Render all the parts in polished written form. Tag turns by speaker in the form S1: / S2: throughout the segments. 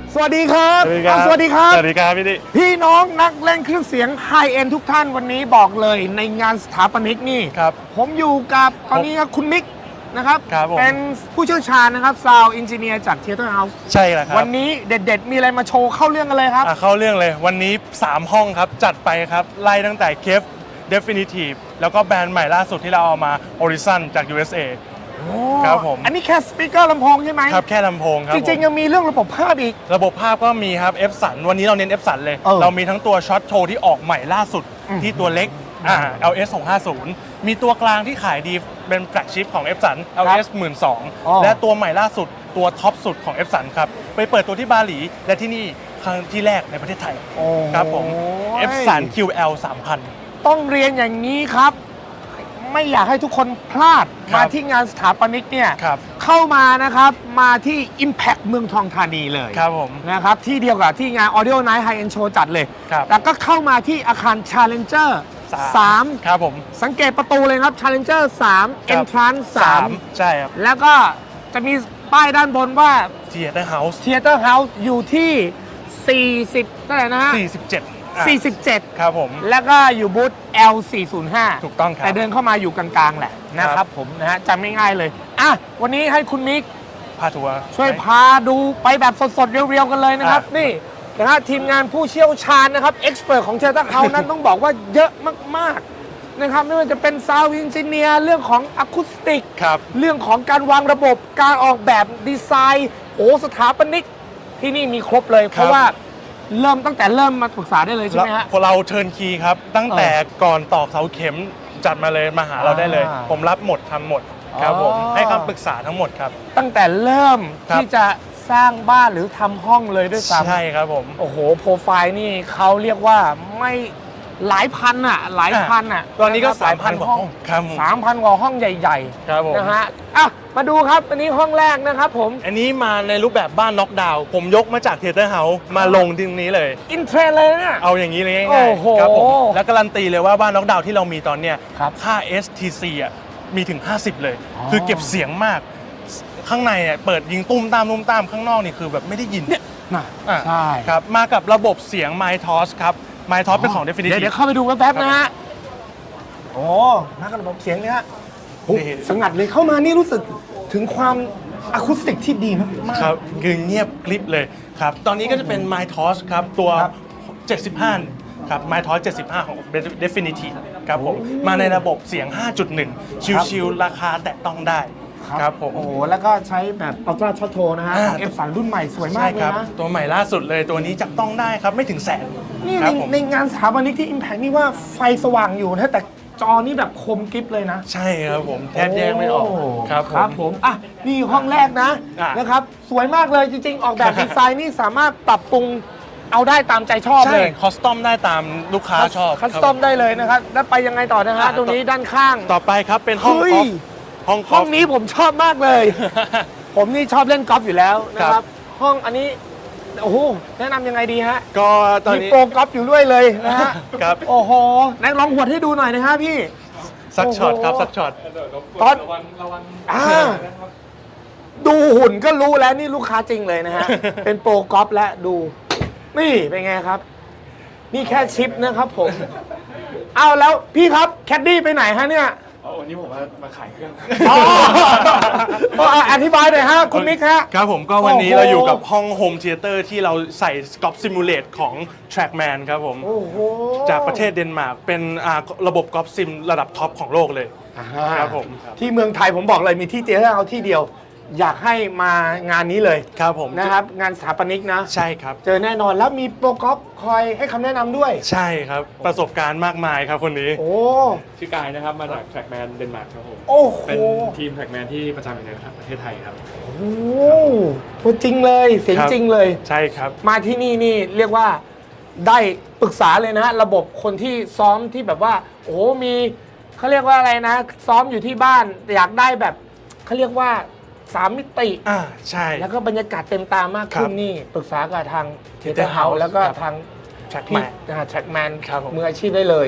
S1: สวัสดีครับ
S2: สวัสดีครับ
S1: สวัสดีครับ
S2: สวัสดีครับพี่ดิ
S1: พี่น้องนักเล่นเครื่องเสียงไฮเอ็นทุกท่านวันนี้บอกเลยในงานสถาปนิกนี่
S2: ครับ
S1: ผมอยู่กับตอนนี้ครับคุณมิกนะครับ
S2: ครับผม
S1: เป็นผู้เชี่ยวชาญนะครับซาวด์เอนจิเนียร์จาก Theater House
S2: ใช่แล้วครับ
S1: วันนี้เด็ดๆ มีอะไรมาโชว์เข้าเรื่องกันเลยครับ
S2: เข้าเรื่องเลยวันนี้ 3 ห้องครับ จัดไปครับ ไล่ตั้งแต่ Kev Definitive แล้วก็แบรนด์ใหม่ล่าสุดที่เราเอามา Horizon จาก USA ครับผม
S1: อันนี้แค่สปีกเกอร์ลำโพงใช่ไหม
S2: ครับแค่ลำโพงครับ
S1: จริงๆ ยังมีเรื่องระบบภาพอีก
S2: ระบบภาพก็มีครับ F สันวันนี้เราเน้น F สันเลย เรามีทั้งตัวช็อตโชว์ที่ออกใหม่ล่าสุดที่ตัวเล็กLS 650มีตัวกลางที่ขายดีเป็นแฟลกชิพของ F สัน LS 12,000และตัวใหม่ล่าสุดตัวท็อปสุดของ F สันครับไปเปิดตัวที่บาหลีและที่นี่ครั้งที่แรกในประเทศไทยครับผม F สัน QL 3000
S1: ต้องเรียนอย่างนี้ครับ ไม่อยากให้ทุกคนพลาด
S2: ครับ
S1: มาที่งานสถาปนิกเนี่ย
S2: ครับ
S1: เข้ามานะครับ มาที่ Impact เมืองทองธานีเลย
S2: ครับผม
S1: นะครับ ที่เดียวกับที่งาน Audio Night High End Show จัดเลย
S2: ครับ
S1: แล้วก็เข้ามาที่อาคาร Challenger 3
S2: ครับผม
S1: สังเกตประตูเลยครับ Challenger 3 Entrance 3
S2: ใช่ครับ
S1: แล้วก็จะมีป้ายด้านบนว่า
S2: Theater House
S1: Theater House อยู่ที่ 40เท่าไหร่นะฮะ 47
S2: ครับผม
S1: แล้วก็อยู่บูธ L405
S2: ถูกต้องครับ
S1: แต่เดินเข้ามาอยู่กลางๆแหละนะครับผมนะฮะจำง่ายๆเลยอ่ะวันนี้ให้คุณมิก
S2: พาทัวร์
S1: ช่วยพาดูไปแบบสดๆ เรียวๆ กันเลยนะครับ นี่นะฮะทีมงานผู้เชี่ยวชาญนะครับเอ็กซ์เพรสของเชต้าเขานั้น ต้องบอกว่าเยอะมากๆนะครับไม่ว่าจะเป็นซาวด์เอนจิเนียร์เรื่องของอะคูสติก
S2: ครับ
S1: เรื่องของการวางระบบการออกแบบดีไซน์สถาปนิกที่นี่มีครบเลย เพราะว่าตั้งแต่เริ่มมาปรึกษาได้เลยใช่ไหมฮะ
S2: พวกเราเทิร์นคีย์ครับ ตั้งแต่ก่อนตอกเสาเข็มจัดมาเลยมาหาเราได้เลย ผมรับหมดทำหมดครับผม
S1: อ๋อ
S2: ให้คำปรึกษาทั้งหมดครับ
S1: ตั้งแต่เริ่ม
S2: ครับ
S1: ที่จะสร้างบ้านหรือทำห้องเลยด้วยซ้ำ
S2: ใช่ครับผม
S1: โอ้โห โปรไฟล์นี่เขาเรียกว่าไม่หลายพันอ่ะ หลายพันอ่ะ
S2: ตอนนี้ก็
S1: ะครับ
S2: 3,000 กว่าห้องครับผม
S1: 3,000 กว่าห้องใหญ่
S2: ครับผม
S1: ๆนะฮะอ่ะมาดูครับ อันนี้ห้องแรกนะครับผม
S2: อันนี้มาในรูปแบบบ้านน็อกดาวน์ผมยกมาจากเทเตอร์เฮาส์มาลงที่ตรงนี้เลย
S1: อินเทรนเลยนะเนี่ย
S2: เอาอย่างนี้เลยง่าย
S1: โอ้โห
S2: ๆครับผมแล้วการันตีเลยว่าบ้านน็อกดาวน์ที่เรามีตอนเนี้ย
S1: ครับ
S2: ค่า STC อ่ะมีถึง 50 เลย
S1: อ๋อ
S2: คือเก็บเสียงมาก ข้างในเนี่ยเปิดยิงตุ้มตามตุ้มตามข้างนอกนี่คือแบบไม่ได้ยิน
S1: น่ะ
S2: อ่ะ
S1: ใช่
S2: ครับมากับระบบเสียง MyTOS ครับ MyTOS เป็นของ Definitive
S1: เดี๋ยวเข้าไปดูแป๊บๆนะฮะ โอ้มากับระบบเสียงเนี่ยฮะโอ้
S2: นี่
S1: สงัดเลยเข้ามานี่รู้สึกถึงความอะคูสติกที่ดีมากๆ
S2: ครับคือเงียบกริบเลยครับ ตอนนี้ก็จะเป็น MyTOS ครับ ตัว
S1: ครับ
S2: 75 ครับ MyTOS 75 ของ Definitive ครับผม มาในระบบเสียง 5.1 ชิวๆราคาแตะต้องได้ครับผม
S1: โอ้โหแล้วก็ใช้แบบอัลตร้าช็อตโทนะฮะของ F3 รุ่นใหม่สวยมา
S2: ใช่
S1: กเล
S2: ค
S1: ย
S2: รับ
S1: นะ
S2: ตัวใหม่ล่าสุดเลยตัวนี้จับต้องได้ครับ ไม่ถึงแสน
S1: นี่
S2: ค
S1: ใน
S2: รับผม
S1: ในงานสถาปนิกที่ Impact นี่ว่าไฟสว่างอยู่นะแต่จอนี่แบบคมกริบเลยนะ
S2: ใช่ครับผมแทบแยกไม่ออกครับผม
S1: ครับผมอ่ะนี่ห้องแรกนะ
S2: อ่ะ
S1: นะครับสวยมากเลยจริงๆ ออกแบบดีไซน์นี่สามารถปรับปรุงเอาได้ตามใจชอบ
S2: ใช่
S1: เลย
S2: คอสตอมได้ตามลูกค้าชอบ
S1: คัสตอมได้เลยนะครับแล้วไปยังไงต่อนะฮะตรงนี้ด้านข้าง
S2: ต่อไปครับเป็นห้อง
S1: เฮ้
S2: กอย ล์ฟห้องก
S1: ห้
S2: อ
S1: อ
S2: ล์
S1: ง
S2: ฟ
S1: นี้ผมชอบมากเลย ผมนี่ชอบเล่นกอล์ฟอยู่แล้วนะค
S2: ครั
S1: รับ
S2: บ
S1: ห้องอันนี้โอ้โหแนะนำยังไงดีฮะ
S2: ก็ตอน
S1: มี
S2: นี้
S1: โปรกอล์ฟอยู่ด้วยเลยนะฮะ
S2: ครับ
S1: โอ้โหไหนลองหวดให้ดูหน่อยนะฮะพี่
S2: สักช็อตครับ
S1: โอ้โห
S2: สักช็อต
S1: ตอนอ่าดูหุ่นก็รู้แล้วนี่ลูกค้าจริงเลยนะ ฮะ เป็นโปรกอล์ฟและดู นี่เป็นไงครับ นี่แค่ชิปนะครับผม เอาแล้วพี่ครับแคดดี้ไปไหนฮะเนี่ย
S3: วันนี้ผมมาขายเครื่อง
S1: อ๋ออธิบายหน่อยฮะคุณมิกฮะ
S2: ครับผมก็วันนี้
S1: โอ้โห
S2: เราอยู่กับห้องโฮมเทเตอร์ที่เราใส่กอล์ฟซิมูเลตของ Trackman ครับผม
S1: โอ้โห
S2: จากประเทศเดนมาร์กเป็นระบบกอล์ฟซิมระดับท็อปของโลกเลย ครับผม
S1: ที่เมืองไทยผมบอกเลยมีที่เดียวเอาที่เดียว อยากให้มางานนี้เลย
S2: ครับผม
S1: นะครับ งานสถาปนิกนะ
S2: ใช่ครับ
S1: เจอแน่นอนแล้วมีโปรกอล์ฟคอยให้คำแนะนำด้วย
S2: ใช่ครับประสบการณ์มากมายครับคนนี้
S1: โอ้
S3: ชื่อกายนะครับ มาจาก Trackman เดนมาร์กครับผม
S1: โอ้โห
S3: เป็นทีม Trackman ที่ประจำอยู่ในประเทศไทยครับ
S1: โอ้โหตัวจริงเลยเสียง
S2: ครับ
S1: จริงเลย
S2: ใช่ครับ
S1: มาที่นี่นี่เรียกว่าได้ปรึกษาเลยนะฮะระบบคนที่ซ้อมที่แบบว่า โอ้โหมีเขาเรียกว่าอะไรนะ ซ้อมอยู่ที่บ้านอยากได้แบบเขาเรียกว่า3 มิติ
S2: ใช่
S1: แล้วก็บรรยากาศเต็มตามากขึ้น
S2: ครับ
S1: นี่ปรึกษากับทาง
S2: Theater
S1: Theater House
S2: House
S1: แล้วก็
S2: ครับ
S1: ทาง
S2: Trackman
S1: แทร็กแมน
S2: ครับผม
S1: มืออาชีพได้เลย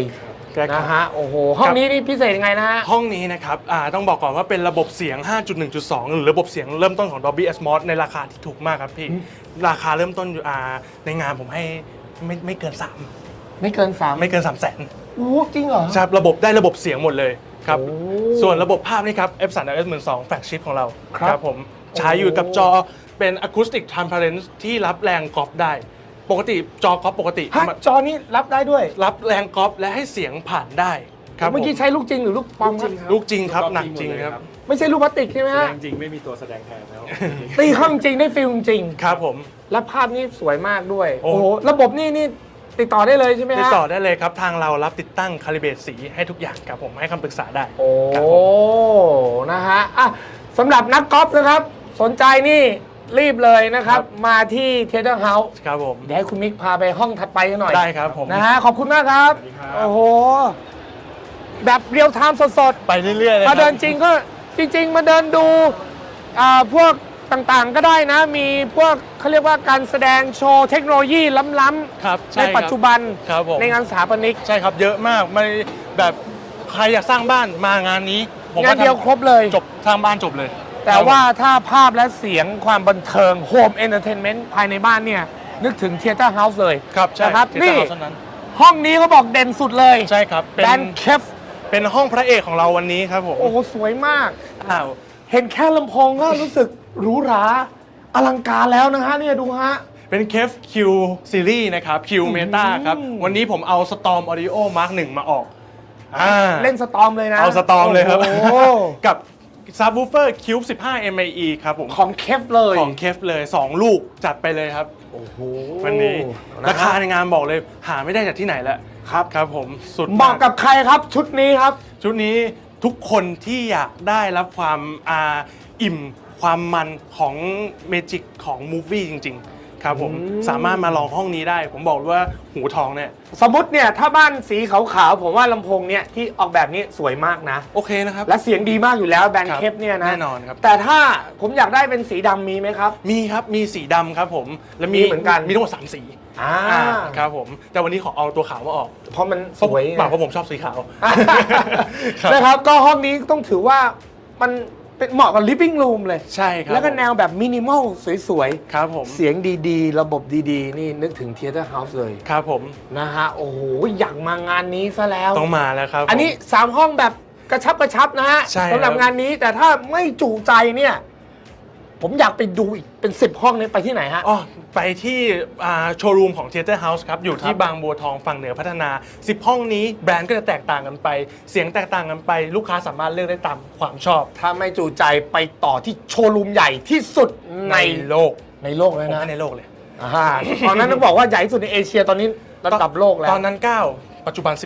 S2: ครับ
S1: นะฮะโอ้โหห้องนี้นี่พิเศษยังไงนะฮะ
S2: ห้องนี้นะครับต้องบอกก่อนว่าเป็นระบบเสียง 5.1.2 หรือระบบเสียงเริ่มต้นของ Dolby Atmos ในราคาที่ถูกมากครับพี่ ราคาเริ่มต้นอยู่ในงานผมให้ไม่เกิน
S1: ไม่เกิน3
S2: 3 ไม่เกิน 300,000
S1: โอ้จริงเหรอ
S2: ครับระบบได้ระบบเสียงหมดเลยครับ
S1: โอ้
S2: ส่วนระบบภาพนี่ครับ Epson LS12 แฟลกชิพของเรา
S1: ครับ
S2: ผมใช้อยู่กับจอเป็น Acoustic Transparent ที่รับแรงกอล์ฟได้ ปกติจอกอล์ฟปกติ
S1: ฮะจอนี้รับได้ด้วย
S2: รับแรงกอล์ฟและให้เสียงผ่านได้ครับ
S1: เมื่อกี้ใช้ลูกจริงหรือลูกปลอมครับ
S2: ลูกจริงครับหนักจริงครับ
S1: ไม่ใช่ลูกพลาสติกใช่ไหม
S3: แสด
S1: ฮะ
S3: งจริงไม่มีตัวแสดงแทนแล้ว
S1: ตีเข้าจริงได้ฟิลจริง
S2: ครับผม
S1: และภาพนี่สวยมากด้วย
S2: โอ้
S1: โอ้โหระบบนี่ติดต่อได้เลยใช่ไหมฮะ
S2: ติดต่อได้เลยครับ ทางเรารับติดตั้งคาลิเบรตสีให้ทุกอย่างครับผมให้คำปรึกษาได้
S1: โอ้
S2: ครับผม
S1: นะฮะอ่ะสำหรับนักกอล์ฟนะครับ สนใจนี่รีบเลยนะครับ มาที่เทเ t อร์เฮาส์
S2: ครับผม
S1: เดี๋ยวให้คุณมิกพาไปห้องถัดไปกันหน่อย
S2: ได้ครับผม
S1: นะฮะขอบคุณมากครับ
S3: สวัสดีครับ
S1: โอ้โห แบบเรียลไทม์สด
S2: ไปเรื่อยๆเลย
S1: ๆ
S2: ค
S1: มา
S2: รับ
S1: เดินจริงก็จริง ๆ มาเดินดูพวกต่างๆก็ได้นะ มีพวกเขาเรียกว่าการแสดงโชว์เทคโนโลยีล้ำ
S2: ครับ
S1: ๆ
S2: ช่
S1: ใน
S2: ครับ
S1: ปัจจุบัน
S2: ครับผม
S1: ในงานสถาปนิก
S2: ใช่ครับเยอะมากไม่แบบใครอยากสร้างบ้านมางานนี้ผม
S1: งานเดียวครบเลย
S2: จบสร้างบ้านจบเลย
S1: แต่ว่าถ้าภาพและเสียงความบันเทิงโฮมเอนเตอร์เทนเมนต์ภายในบ้านเนี่ย นึกถึงเทเ t อร์เฮาส์เลย
S2: ครับใช่
S1: นะครับ
S2: ที่
S1: นี่
S2: เท่านั้น
S1: ห้องนี้เขาบอกเด่นสุดเลย
S2: ใช่ครับเป็น
S1: แดนเคฟ
S2: เป็นห้องพระเอกของเราวันนี้ครับผม
S1: โอ้โห สวยมาก
S2: อ้าว
S1: เห็นแค่ลำโพงก็รู้สึกหรูหรา อลังการแล้วนะฮะเนี่ยดูฮะ
S2: เป็นเคฟ Q Series นะครับ Q Meta ครับวันนี้ผมเอา Storm Audio Mark 1 มาออก
S1: เล่นสตอมเลยนะ
S2: เอาสตอมเลยครับ
S1: โอ้โห
S2: กับ Subwoofer Cube 15 MAE ครับผม
S1: ของเคฟเลย
S2: ของเคฟเลย 2 ลูกจัดไปเลยครับ
S1: โอ้โห
S2: วันนี้
S1: นะ
S2: รา
S1: ฮะ
S2: คาในงานบอกเลยหาไม่ได้จากที่ไหนแล้วครับครับผมสุด
S1: เหมาะกับใครครับชุดนี้ครับ
S2: ชุดนี้ทุกคนที่อยากได้รับความอิ่มความมันของเมจิกของมูฟวี่จริง ๆ ครับผมสามารถมาลองห้องนี้ได้ ผมบอกเลยว่าหูทองเนี่ย
S1: สมมติเนี่ยถ้าบ้านสีขาวๆผมว่าลำโพงเนี่ยที่ออกแบบนี้สวยมากนะ
S2: โอเคนะครับ
S1: และเสียงดีมากอยู่แล้วแบรน
S2: ครั
S1: ด์
S2: บ
S1: เคฟเนี่ยนะ
S2: แน่นอนครับ
S1: แต่ถ้าผมอยากได้เป็นสีดำมีไหมครับ
S2: มีครับมีสีดำครับผมและ
S1: มีเหมือนกัน
S2: มีทั้งหมด3 สี
S1: อ่า
S2: ครับผมแต่วันนี้ขอเอาตัวขาวมาออก
S1: เพราะมันสวยไง
S2: เพราะผมชอบสีขาว ครับ
S1: นะครับก็ห้องนี้ต้องถือว่ามันเป็นเหมาะกับ living room เลย
S2: ใช่ครับ
S1: แล้วก็แนวแบบมินิมอลสวย
S2: ครับผม
S1: ๆ เสียงดีๆ ระบบดีๆ นี่นึกถึง Theater House เลย
S2: ครับผม
S1: นะฮะ โอ้โห อยากมางานนี้ซะแล้ว
S2: ต้องมาแล้วครับ
S1: อันนี้ 3 ห้องแบบกระชับนะฮะ
S2: ใช่ครับ
S1: สำหรับงานนี้แต่ถ้าไม่จูใจเนี่ย ผมอยากไปดูอีกเป็น 10 ห้องนี้ไปที่ไหนฮะ
S2: อ๋อไปที่โชว์รูมของ Theater House ครับ อยู่ที่
S1: ครับ
S2: บางบัวทองฝั่งเหนือพัฒนา 10 ห้องนี้แบรนด์ก็จะแตกต่างกันไป เสียงแตกต่างกันไป ลูกค้าสามารถเลือกได้ตามความชอบ
S1: ถ้าไม่จูใจไปต่อที่โชว์รูมใหญ่ที่สุดใน
S2: โลก
S1: โลกเลย
S2: ผม
S1: นะ
S2: ให้ในโลกเลย
S1: อ่าตอนนั้นต้องบอกว่าใหญ่ที่สุดในเอเชียตอนนี้ระดับโลกแล้ว
S2: ตอนนั้น 9 ปัจจุบัน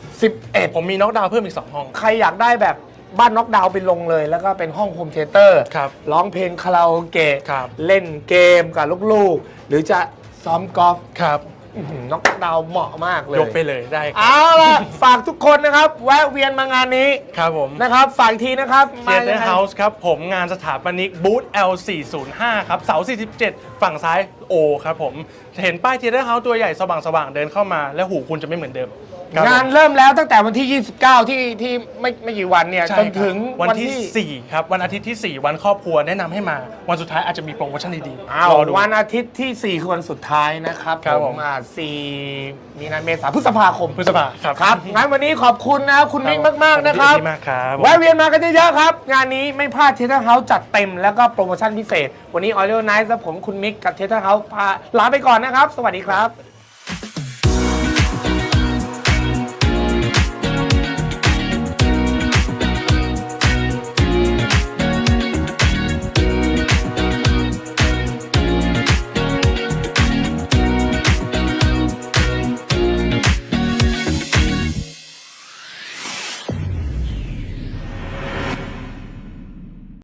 S1: 11
S2: ผมมีน็อกดาวน์เพิ่มอีก 2 ห้อง
S1: ใครอยากได้แบบบ้านน็อกดาวน์ไปลงเลย แล้วก็เป็นห้องโฮมเทเตอร์
S2: ครับ
S1: ร้องเพลงคาราโอเกะ
S2: ครับ
S1: เล่นเกมกับลูกๆ หรือจะซ้อมกอล์ฟ
S2: ครับ
S1: น็อกดาวน์เหมาะมากเลย
S2: ยกไปเลยได้ครับ
S1: เอาล่ะ ฝากทุกคนนะครับ แวะเวียนมางานนี้
S2: ครับผม
S1: นะครับ ฝากอีกทีนะครับ
S2: Theater House ครับ ผมงานสถาปนิกบูธ L405 ครับ เสา 47 ฝั่งซ้าย O ครับผม เห็นป้าย Theater House ตัวใหญ่สว่างๆ เดินเข้ามา แล้วหูคุณจะไม่เหมือนเดิมครับ
S1: งานเริ่มแล้วตั้งแต่วันที่ 29 ที่ไม่กี่วันเนี่ย
S2: ใช่
S1: จน
S2: ครับ
S1: ถึง
S2: วันที่ 4 ครับ วันอาทิตย์ที่ 4 วันครอบครัวแนะนำให้มา วันสุดท้ายอาจจะมีโปรโมชั่นดี
S1: อ้าว
S2: รอดู
S1: วันอาทิตย์ที่ 4 คือวันสุดท้ายนะครับ
S2: ครับผม
S1: 4 มีนาเมษาพฤษภาคม
S2: พฤษภาครับ
S1: ครับงั้นวันนี้ขอบคุณนะครับคุณมิกมากๆนะครับ
S2: ขอณพี่มากครับ
S1: แวะเวียนมากันเยอะๆครับ งานนี้ไม่พลาดเทเ t อร์เฮาส์จัดเต็มแล้วก็โปรโมชั่นพิเศษ วันนี้ Audio Night และผมคุณมิกกับเทเ t อร์เฮาส์ลาไปก่อนนะครับ สวัสดีครับ